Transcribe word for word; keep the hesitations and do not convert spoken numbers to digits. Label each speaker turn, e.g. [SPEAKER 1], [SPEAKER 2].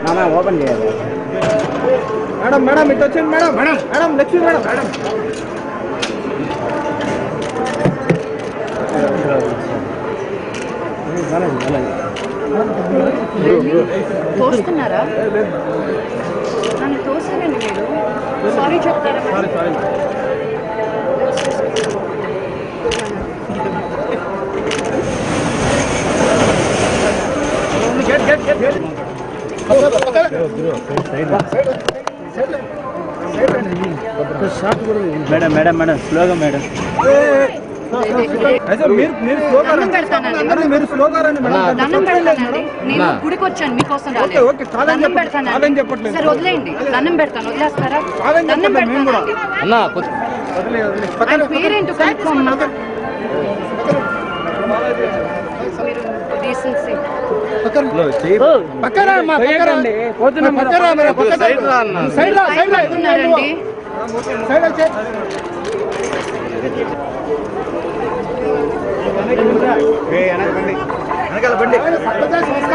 [SPEAKER 1] open చేయాలి madam madam ఇటు వచ్చింది madam madam madam Lakshmi madam madam
[SPEAKER 2] తోస్తున్నారా నన్ను తోసారండి మీరు సారీ చెప్తారా
[SPEAKER 1] sorry sorry get get get get madam madam madam స్లోగా మేడం మీరు స్లోగా
[SPEAKER 2] దండం పెడతానండి నేను గుడికి వచ్చాను మీకోసం దండం పెడతాను సరే వదిలేయండి దండం పెడతాను వదిలేస్తారా దండం పెడతాను పేరేంటో కనుక్కోమ్మా డీసెన్సీ
[SPEAKER 1] వెనకాల బండి